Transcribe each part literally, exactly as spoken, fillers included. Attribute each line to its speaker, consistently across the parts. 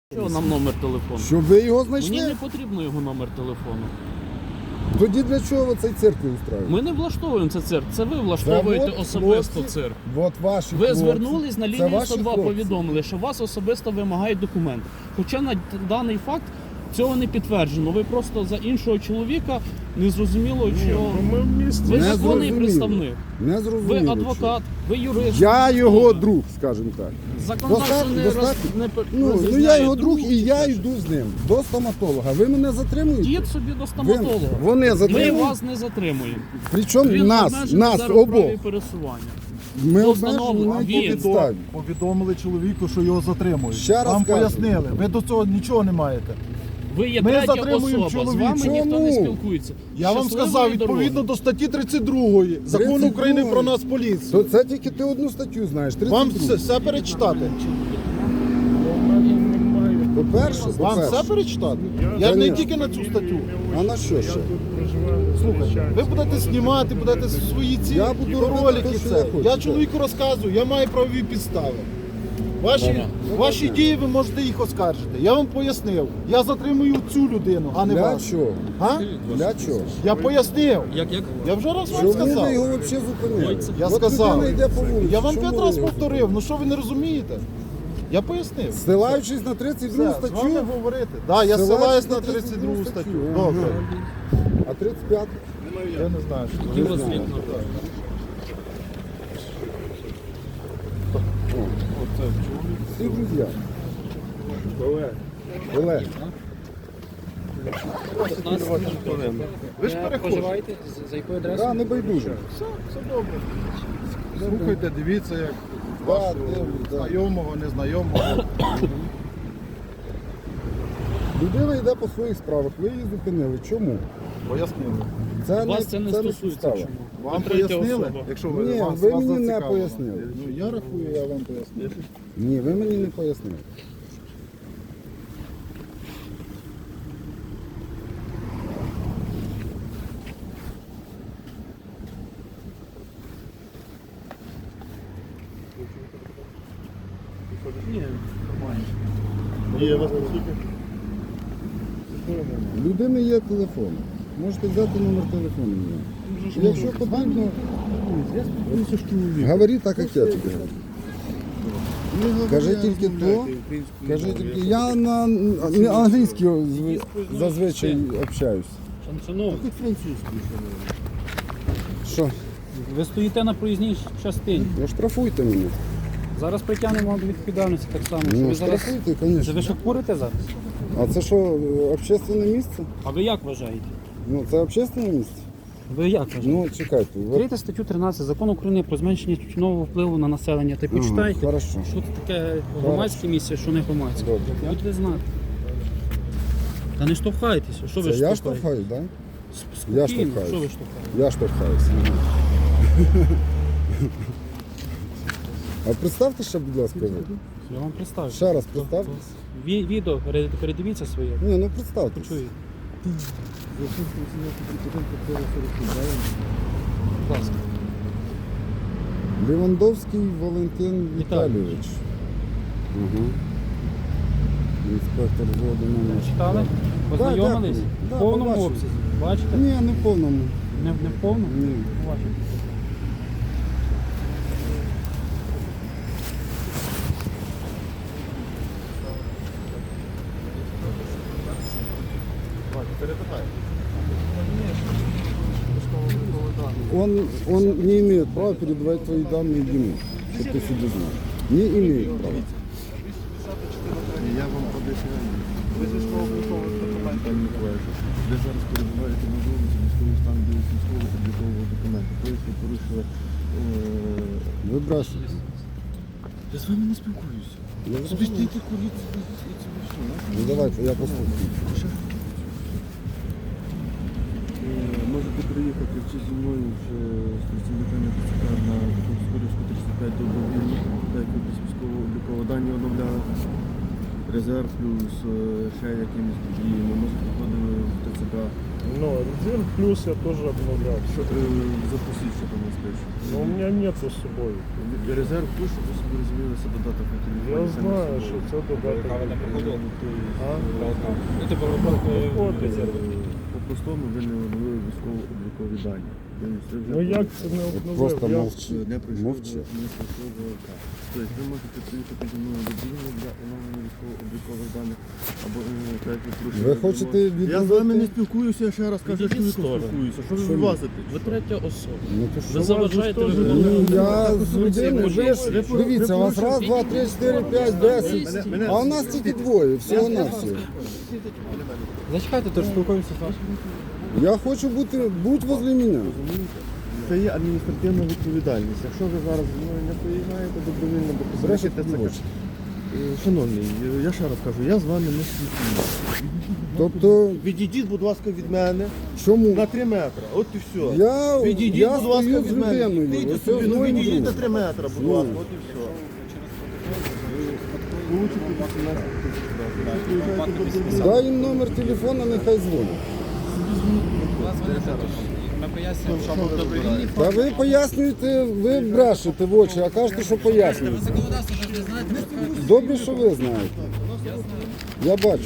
Speaker 1: Що нам номер телефону?
Speaker 2: Щоб ви його знайшли?
Speaker 1: Мені не потрібно його номер телефону.
Speaker 2: Тоді для чого ви цей цирк не устраюєте?
Speaker 1: Ми не влаштовуємо це цирк, це ви влаштовуєте
Speaker 2: Це от
Speaker 1: особисто
Speaker 2: хлопці,
Speaker 1: цирк.
Speaker 2: От ваші
Speaker 1: Ви
Speaker 2: хлопці.
Speaker 1: звернулись на
Speaker 2: Це
Speaker 1: лінію
Speaker 2: ваші
Speaker 1: сто два,
Speaker 2: хлопці.
Speaker 1: повідомили, що вас особисто вимагають документи. Хоча на даний факт цього не підтверджено. Ви просто за іншого чоловіка не зрозуміло, що
Speaker 3: Ми в місті.
Speaker 1: ви
Speaker 2: Не
Speaker 1: законний
Speaker 2: зрозуміло.
Speaker 1: представник.
Speaker 2: Не
Speaker 1: Ви
Speaker 2: зрозуміло.
Speaker 1: адвокат, ви юрист.
Speaker 2: Я його друг, скажімо так.
Speaker 1: Законодавство
Speaker 2: Достатньо-
Speaker 1: не,
Speaker 2: достатньо.
Speaker 1: роз... не пер-
Speaker 2: Ну, ну
Speaker 1: розрізняє
Speaker 2: я його друг і я
Speaker 1: чи
Speaker 2: йду з ним до стоматолога. Ви мене затримуєте?
Speaker 1: Дід собі до
Speaker 2: Ви,
Speaker 1: стоматолога.
Speaker 2: вони
Speaker 1: Ми
Speaker 2: затримують.
Speaker 1: вас не затримуємо.
Speaker 2: Причому
Speaker 1: Він
Speaker 2: нас,
Speaker 1: обмежений
Speaker 2: нас
Speaker 1: зараз в
Speaker 2: обох.
Speaker 1: праві пересування.
Speaker 2: Ми
Speaker 1: До
Speaker 2: обмежені
Speaker 1: встановлення.
Speaker 2: на
Speaker 1: Він.
Speaker 2: якій підставі.
Speaker 3: Повідомили чоловіку, що його затримують.
Speaker 2: Ще раз
Speaker 3: Вам
Speaker 2: кажу.
Speaker 3: пояснили. Ви до цього нічого не маєте.
Speaker 1: Ви є
Speaker 3: Ми
Speaker 1: третя
Speaker 3: затримуємо
Speaker 1: особа, з
Speaker 3: чоловіка.
Speaker 1: вами ніхто не
Speaker 2: Чому?
Speaker 1: спілкується.
Speaker 3: Я вам
Speaker 1: Щасливої
Speaker 3: сказав, відповідно
Speaker 1: дороги.
Speaker 3: до статті тридцять другої Закону
Speaker 2: тридцять
Speaker 3: України
Speaker 2: другої.
Speaker 3: про нас поліцію.
Speaker 2: То це тільки ти одну статтю знаєш.
Speaker 3: Вам
Speaker 2: тридцять другу.
Speaker 3: все, все перечитати?
Speaker 2: По-перше,
Speaker 3: Вам все
Speaker 2: по-перше.
Speaker 3: перечитати? Я не
Speaker 2: Конечно.
Speaker 3: тільки на цю статтю.
Speaker 2: А на що ще?
Speaker 3: Слухайте, ви будете знімати, будете свої ці
Speaker 2: Я буду робити
Speaker 3: ролики.
Speaker 2: те, що
Speaker 3: Це.
Speaker 2: я хочу,
Speaker 3: Я
Speaker 2: так.
Speaker 3: чоловіку розказую, я маю правові підстави. Ваші, ваші дії ви можете їх оскаржити. Я вам пояснив. Я затримую цю людину, а не
Speaker 2: Для
Speaker 3: вас.
Speaker 2: чого?
Speaker 3: А?
Speaker 2: Для чого?
Speaker 3: Я пояснив.
Speaker 1: Як, як?
Speaker 3: Я вже раз вам
Speaker 2: Чому
Speaker 3: сказав.
Speaker 2: ви його взагалі зупинили?
Speaker 3: Я
Speaker 2: От
Speaker 3: сказав.
Speaker 2: людина йде по вулиці.
Speaker 3: Я вам
Speaker 2: чому
Speaker 3: п'ять
Speaker 2: ви
Speaker 3: разів
Speaker 2: його
Speaker 3: повторив. Ну що ви не розумієте? Я пояснив.
Speaker 2: Ссилаючись на тридцять другу
Speaker 3: Все, з вами
Speaker 2: статтю,
Speaker 3: говорити. Так, да, я
Speaker 2: Ссилаючись
Speaker 3: ссилаюсь
Speaker 2: на
Speaker 3: на
Speaker 2: тридцять
Speaker 3: тридцять
Speaker 2: другу
Speaker 3: другу статтю.
Speaker 2: статтю.
Speaker 3: Добре.
Speaker 2: а тридцять п'яту?
Speaker 3: Я не знаю, що
Speaker 1: Які
Speaker 3: ви
Speaker 1: у вас
Speaker 3: знаєте.
Speaker 1: вікна?
Speaker 2: Всі друзі. Олег.
Speaker 3: Ви ж переходите.
Speaker 1: За якою адресою?
Speaker 2: Да, не байдуже.
Speaker 3: Все, все добре. Слухайте, дивіться, як
Speaker 2: Да,
Speaker 3: вашого
Speaker 2: дивлюсь, да.
Speaker 3: знайомого, незнайомого.
Speaker 2: Людина йде по своїх справах, ви її зупинили. Чому?
Speaker 3: Пояснили.
Speaker 2: Це
Speaker 1: Вас це не стосується.
Speaker 2: підстава.
Speaker 1: Чому?
Speaker 3: Вам
Speaker 1: Ви третя
Speaker 3: пояснили?
Speaker 1: особа.
Speaker 3: Якщо ви,
Speaker 2: Ні,
Speaker 3: вас,
Speaker 2: ви
Speaker 3: вас
Speaker 2: мені не
Speaker 3: зацікавило.
Speaker 2: пояснили.
Speaker 3: Ну, я рахую, я вам пояснив.
Speaker 2: Ні, ви мені не пояснили.
Speaker 1: Ні, нормально.
Speaker 3: Ні, я вас не слухаю.
Speaker 2: У людини є телефон. Можете взяти номер телефону. мені. Якщо потрібно, говори так, як я тобі говорю. Кажи тільки то, кажи тільки. Я на на англійській зв- зазвичай общаюсь.
Speaker 1: Шановні,
Speaker 2: Що?
Speaker 1: ви стоїте на проїзній частині.
Speaker 2: Ну штрафуйте мене.
Speaker 1: Зараз притягнемо до відповідальності так само. що
Speaker 2: Ну
Speaker 1: ви зараз...
Speaker 2: штрафуйте,
Speaker 1: Це ви
Speaker 2: звісно.
Speaker 1: що курите зараз?
Speaker 2: А це що, общественне місце?
Speaker 1: А ви як вважаєте?
Speaker 2: Ну це общественне місце?
Speaker 1: Ви як вважаєте?
Speaker 2: Ну чекайте. ви-
Speaker 1: Відкрийте статтю тринадцять Закону України про зменшення тютюнового впливу на населення та й
Speaker 2: Ага,
Speaker 1: почитайте,
Speaker 2: хорошо.
Speaker 1: що це таке громадське місце, що не громадське.
Speaker 2: Добре.
Speaker 1: Будете знати. Та не штовхайтеся, що ви
Speaker 2: Це я
Speaker 1: штовхаєте?
Speaker 2: штовхаю, так?
Speaker 1: Спокійно,
Speaker 2: Я штовхаюсь.
Speaker 1: що ви штовхаєте?
Speaker 2: Я штовхаюся. А представте ще, будь ласка, ви.
Speaker 1: Я вам представлю.
Speaker 2: Ще раз представте.
Speaker 1: Ві- Відео перед- передивіться своє.
Speaker 2: Ні, ну представте.
Speaker 1: Почуєте. Будь ласка.
Speaker 2: Левандовський Валентин
Speaker 1: Віталійович.
Speaker 2: Віталійович. Угу. Інспектор взводу номер.
Speaker 1: Читали? Познайомились?
Speaker 2: дякую. Да,
Speaker 1: В повному
Speaker 2: побачив.
Speaker 1: обсязі. Бачите?
Speaker 2: Ні, не в повному.
Speaker 1: Не, не в повному?
Speaker 2: Ні.
Speaker 1: Бачите.
Speaker 2: Он, он не имеет права передавать твои данные ему, чтобы ты себе знал. Не имеет права.
Speaker 3: Я вам поясню. Ви зі військово-облікових документів Миколаївич. Ви зараз перебуваєте на вулиці військовий стан без військово-облікового документу. Тобто ви порушили... е,
Speaker 2: Выбрасывай.
Speaker 3: Я з вами не спілкуюся.
Speaker 2: Я
Speaker 3: Собі
Speaker 2: зрозумів.
Speaker 3: стійте, куріть, і це все.
Speaker 2: Ну давайте, я послухаю.
Speaker 3: Можете приїхати чи зі мною вже з працівниками ТЦК на Скорівську тридцять п'ять добровільно, так як без військово-облікового дані оновляли. Резерв плюс е, ще якимись подіями. Можете приходити в ТЦК
Speaker 4: Ну, резерв плюс я тоже обновлял.
Speaker 3: Що, е, запустіть, що там розпишу.
Speaker 4: Но у меня нету с собой.
Speaker 3: Резерв плюс, щоб ви собі розуміли, це додаток на телефоні.
Speaker 4: Я
Speaker 3: це не
Speaker 4: знаю,
Speaker 3: собою.
Speaker 4: що це додаток. А?
Speaker 5: Ну, типу, випадку
Speaker 4: Виходить.
Speaker 5: резерву.
Speaker 3: По-простому ви не оновили військово-облікові дані. Ви це вже
Speaker 4: Ну як це не
Speaker 2: Просто
Speaker 4: обновив? Я-
Speaker 2: мовчи.
Speaker 3: не пройшов
Speaker 2: Мовчи.
Speaker 3: до- не пройшов до ОК. Тобто ви можете приїхати зі мною добровільно для оновлення військово-облікових даних або е, так, як порушення
Speaker 2: Ви
Speaker 3: вимог.
Speaker 2: хочете
Speaker 3: Я з
Speaker 2: відновити?
Speaker 3: вами не спілкуюся, я ще раз кажу,
Speaker 1: Відійдіть
Speaker 3: що
Speaker 1: в сторону.
Speaker 3: спілкуюся. Що ви
Speaker 2: Чому?
Speaker 3: вилазите?
Speaker 1: Ви третя особа.
Speaker 2: Ну то
Speaker 1: Ви
Speaker 2: що?
Speaker 1: заважаєте
Speaker 4: Ну,
Speaker 1: виконувати.
Speaker 2: Ну, я з людиною, ви ж,
Speaker 3: ви-
Speaker 2: дивіться, у вас
Speaker 3: ви-
Speaker 2: раз, два, три, чотири, п'ять, десять,
Speaker 3: Мене- мене-
Speaker 2: а у нас тільки двоє, всього на все.
Speaker 5: Зачекайте, то ж спілкуємося з вашим.
Speaker 2: Я хочу бути, будь возле мене.
Speaker 3: Це є адміністративна відповідальність. Якщо ви зараз зі мною не приїжджаєте добровільно, бо
Speaker 2: Зрештою,
Speaker 3: позначите це. Е, Шановний, е, я ще раз кажу, я з вами не спілкуюся.
Speaker 2: Тобто,
Speaker 3: Відійдіть, будь ласка, від мене
Speaker 2: чому?
Speaker 3: на три метри. От і все.
Speaker 2: Я,
Speaker 3: Відійдіть,
Speaker 2: я
Speaker 3: будь ласка,
Speaker 2: стою
Speaker 3: від
Speaker 2: з
Speaker 3: мене.
Speaker 2: людиною,
Speaker 3: Відійдіть
Speaker 2: ось
Speaker 3: собі,
Speaker 2: з
Speaker 3: ну
Speaker 2: моїм
Speaker 3: відійдіть на
Speaker 2: другом.
Speaker 3: три метри, будь
Speaker 2: Ну.
Speaker 3: ласка, от і все. Получите вісімнадцять тисяч разів. Приїжджайте добровільно.
Speaker 2: Дай їм номер телефона, нехай дзвонять.
Speaker 5: Ми пояснюємо, що був добровільний.
Speaker 2: Та ви пояснюєте, ви брешете в очі, а кажете, що пояснюєте.
Speaker 5: Законодавство ж ви знаєте,
Speaker 2: Добре, що ви знаєте. Я бачу.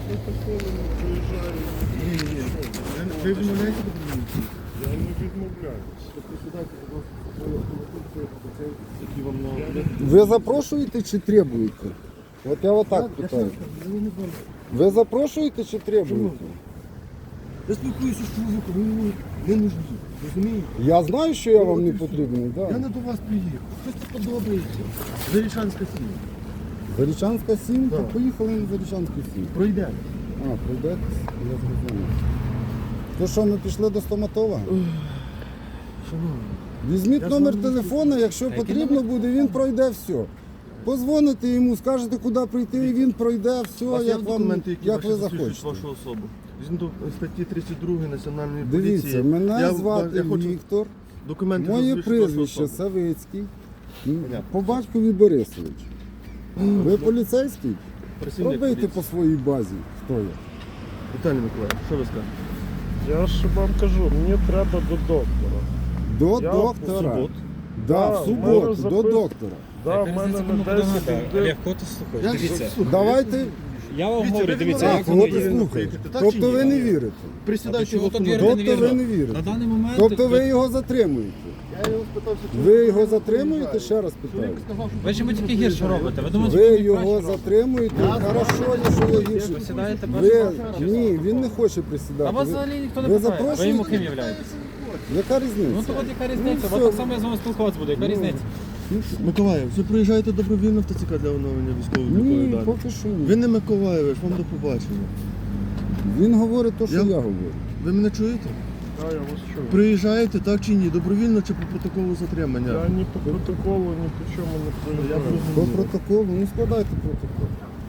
Speaker 3: Ви відмовляєте добровільно?
Speaker 4: Я не відмовляюсь.
Speaker 3: Присідайте, будь ласка, свої автомобілі, які вам на
Speaker 2: Ви запрошуєте чи требуєте? От я отак питаю. Ви запрошуєте чи требуєте?
Speaker 3: Я спілкуюся з чоловіком, ви мені не нужні. Розумієте?
Speaker 2: Я знаю, що я вам не потрібний.
Speaker 3: Я
Speaker 2: Да.
Speaker 3: не до вас приїхав. Щось тут подобається. Зарічанська сім'я.
Speaker 2: Зарічанська сім,
Speaker 3: Да.
Speaker 2: то поїхали на Зарічанську сім.
Speaker 3: Пройдемо.
Speaker 2: А, пройдетесь? Я зрозумів. То що, ми пішли до стоматолога?
Speaker 3: Шановні.
Speaker 2: Візьміть
Speaker 3: Я
Speaker 2: номер
Speaker 3: з вами
Speaker 2: телефона, якщо потрібно буде, він пройде все. Позвоните йому, скажете, куди прийти, і він пройде
Speaker 3: У
Speaker 2: все,
Speaker 3: вас є
Speaker 2: як, вам,
Speaker 3: документи, які
Speaker 2: як
Speaker 3: ваші
Speaker 2: ви
Speaker 3: засвідчують
Speaker 2: захочете.
Speaker 3: вашу особу? Згідно статті тридцять два Національної поліції.
Speaker 2: Дивіться, мене
Speaker 3: я,
Speaker 2: звати
Speaker 3: я хочу
Speaker 2: Віктор,
Speaker 3: документи
Speaker 2: моє
Speaker 3: засвідчують вашу
Speaker 2: прізвище
Speaker 3: особу.
Speaker 2: Савицький,
Speaker 3: Понятно.
Speaker 2: по батькові Борисович. Ви поліцейський?
Speaker 3: Працівник
Speaker 2: Пробийте
Speaker 3: поліції.
Speaker 2: по своїй базі, хто я.
Speaker 3: Віталій Миколаївич, що ви скажете?
Speaker 4: Я ж вам кажу, мені треба до доктора.
Speaker 2: До
Speaker 4: Я
Speaker 2: доктора.
Speaker 4: в суботу.
Speaker 2: Да,
Speaker 4: Да,
Speaker 2: в
Speaker 4: у
Speaker 2: суботу,
Speaker 4: мене
Speaker 2: до
Speaker 4: запис-
Speaker 2: доктора.
Speaker 4: Да, в мене на десять йде.
Speaker 5: Олег, кого ти слухаєш?
Speaker 3: Я
Speaker 5: Дивіться,
Speaker 3: слухаю.
Speaker 2: Давайте,
Speaker 5: я вам
Speaker 3: Дивіться,
Speaker 5: говорю,
Speaker 3: ви
Speaker 5: дивіться,
Speaker 3: відмовляєте.
Speaker 5: як
Speaker 2: так,
Speaker 5: воно
Speaker 2: от і
Speaker 5: є.
Speaker 2: слухайте.
Speaker 3: Так чи
Speaker 2: Тобто
Speaker 3: ні?
Speaker 2: ви не вірите.
Speaker 3: Присідайте в
Speaker 5: чого тут
Speaker 3: автомобіль.
Speaker 5: вірити?
Speaker 2: Тобто ви не
Speaker 5: На
Speaker 2: вірите.
Speaker 5: даний момент...
Speaker 2: Тобто ви його затримуєте.
Speaker 3: Я його спитався, чи
Speaker 2: Ви
Speaker 3: він
Speaker 2: його
Speaker 3: приїжджає.
Speaker 2: затримуєте, ще раз питаю.
Speaker 3: Чоловік сказав, що
Speaker 5: Ви ж йому тільки гірше робите. Ви думаєте,
Speaker 2: Ви
Speaker 5: що
Speaker 2: його
Speaker 5: краще
Speaker 2: затримуєте, хорошо, якщо ви гірше.
Speaker 5: Присідаєте
Speaker 2: Ви,
Speaker 5: першого?
Speaker 2: ні, він не хоче
Speaker 5: А
Speaker 2: присідати.
Speaker 5: вас
Speaker 2: Ви-
Speaker 5: взагалі ніхто
Speaker 2: ви
Speaker 5: не питає. Ви
Speaker 2: запрошуєте?
Speaker 5: йому ким являєтесь?
Speaker 2: Яка
Speaker 5: Ну
Speaker 2: різниця?
Speaker 5: то от яка різниця?
Speaker 2: Ну,
Speaker 5: От
Speaker 2: все.
Speaker 5: так само я з вами спілкуватися буду. Яка
Speaker 2: Ну,
Speaker 5: різниця?
Speaker 3: Миколаїв, ви приїжджаєте добровільно в ТЦК для оновлення військової
Speaker 2: Ні,
Speaker 3: облікової дані?
Speaker 2: поки що
Speaker 3: Ви
Speaker 2: ні.
Speaker 3: не Миколаєвич, вам до побачення.
Speaker 2: Він говорить те, що
Speaker 3: Я-
Speaker 2: я говорю.
Speaker 3: Ви мене чуєте?
Speaker 4: Да, я вас чую.
Speaker 3: Приїжджаєте так чи ні? Добровільно чи по протоколу затримання?
Speaker 4: Я ні по протоколу, ні по чому не
Speaker 3: Я
Speaker 4: проявляю.
Speaker 2: По
Speaker 3: зрозумів.
Speaker 2: протоколу, ну складайте протокол.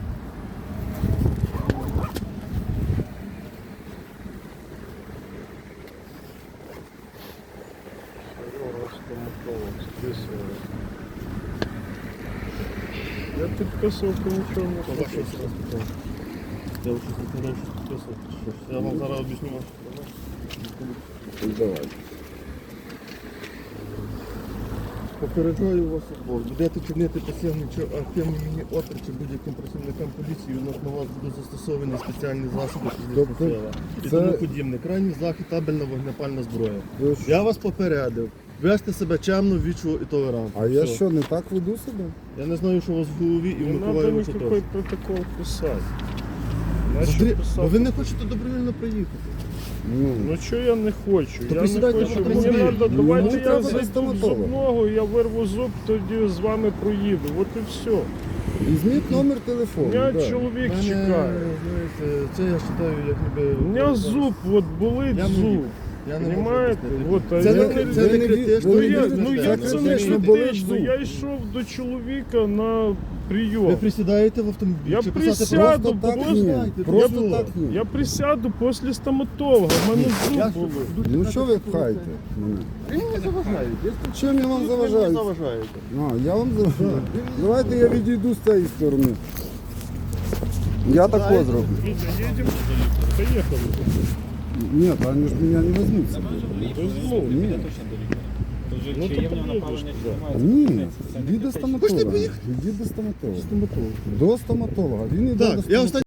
Speaker 4: Я підписував, то нічого не хочу.
Speaker 3: Я вже сказав, що підписав. Я вам зараз об'ясню.
Speaker 2: Давай.
Speaker 3: Попереджаю вас обох. Будете чинити пасивний чи активний міні опір чи будь-яким працівникам поліції, відносно вас будуть застосовані спеціальні засоби фізичної
Speaker 2: Тобто
Speaker 3: сили. І
Speaker 2: це-
Speaker 3: тому подібне. Крайній захід табельна вогнепальна зброя.
Speaker 2: Ви що?
Speaker 3: Я вас попередив. Вести себе чемно, вічно і толерантно.
Speaker 2: А я
Speaker 3: Все.
Speaker 2: що, не так веду себе?
Speaker 3: Я не знаю, що у вас в голові і в
Speaker 4: Не треба
Speaker 3: Миколаєвича
Speaker 4: ніякий
Speaker 3: теж.
Speaker 4: протокол писати.
Speaker 3: Смотри,
Speaker 4: Нащо
Speaker 3: бо
Speaker 4: писати?
Speaker 3: ви не хочете добровільно приїхати.
Speaker 2: Ну,
Speaker 4: Ну що я не хочу?
Speaker 3: То
Speaker 4: Я не
Speaker 3: присідайте
Speaker 4: хочу.
Speaker 3: в
Speaker 4: Мені
Speaker 3: автомобіль.
Speaker 4: треба,
Speaker 2: Ну,
Speaker 4: давайте
Speaker 2: мені
Speaker 4: я
Speaker 2: треба до
Speaker 4: зайду в
Speaker 2: стоматолога.
Speaker 4: зубного, я вирву зуб, тоді з вами проїду. От і все.
Speaker 2: візьміть номер телефону.
Speaker 4: Мене
Speaker 2: да.
Speaker 4: чоловік
Speaker 3: Мене,
Speaker 4: чекає.
Speaker 3: знаєте, це я вважаю, як ніби...
Speaker 4: У мене зуб, от болить
Speaker 3: Я не
Speaker 4: зуб.
Speaker 3: вірю. Я не можу
Speaker 4: Понимаєте?
Speaker 3: об'яснити.
Speaker 4: От, а
Speaker 3: Це
Speaker 4: я
Speaker 3: не-
Speaker 4: не-
Speaker 3: це не
Speaker 2: ви не
Speaker 3: критично.
Speaker 2: ві-
Speaker 4: Ну
Speaker 2: ви не
Speaker 4: як,
Speaker 2: вірите,
Speaker 4: ну
Speaker 2: це
Speaker 4: як це не
Speaker 2: критично болить
Speaker 4: критично?
Speaker 2: зуб.
Speaker 4: Я йшов до чоловіка на
Speaker 3: Ви
Speaker 4: прийом.
Speaker 3: присідаєте в автомобіль?
Speaker 4: Я
Speaker 3: чи писати
Speaker 4: присяду,
Speaker 2: Просто так
Speaker 4: просто-
Speaker 2: ні.
Speaker 3: знаєте,
Speaker 2: Просто
Speaker 3: я-
Speaker 2: так ні.
Speaker 4: Я присяду після стоматолога, в мене
Speaker 3: Я
Speaker 4: зуб
Speaker 3: ж-
Speaker 4: болить.
Speaker 2: Ну що ви пхаєте мене?
Speaker 3: Ви мені заважаєте. Я
Speaker 2: Чим я вам
Speaker 3: Ви
Speaker 2: заважаю?
Speaker 3: мені заважаєте.
Speaker 2: А, я вам заважаю. Давайте я відійду з цієї сторони. Я тако зроблю.
Speaker 4: Витя, едем? Поехали.
Speaker 2: Нет, они же меня не возьмут с собой. Нет.
Speaker 4: Ну, то поїдеш туди.
Speaker 2: Ні, іди до стоматолога. Іди до стоматолога. До стоматолога. Він іде
Speaker 3: Так,
Speaker 2: до
Speaker 3: я
Speaker 2: стоматолога.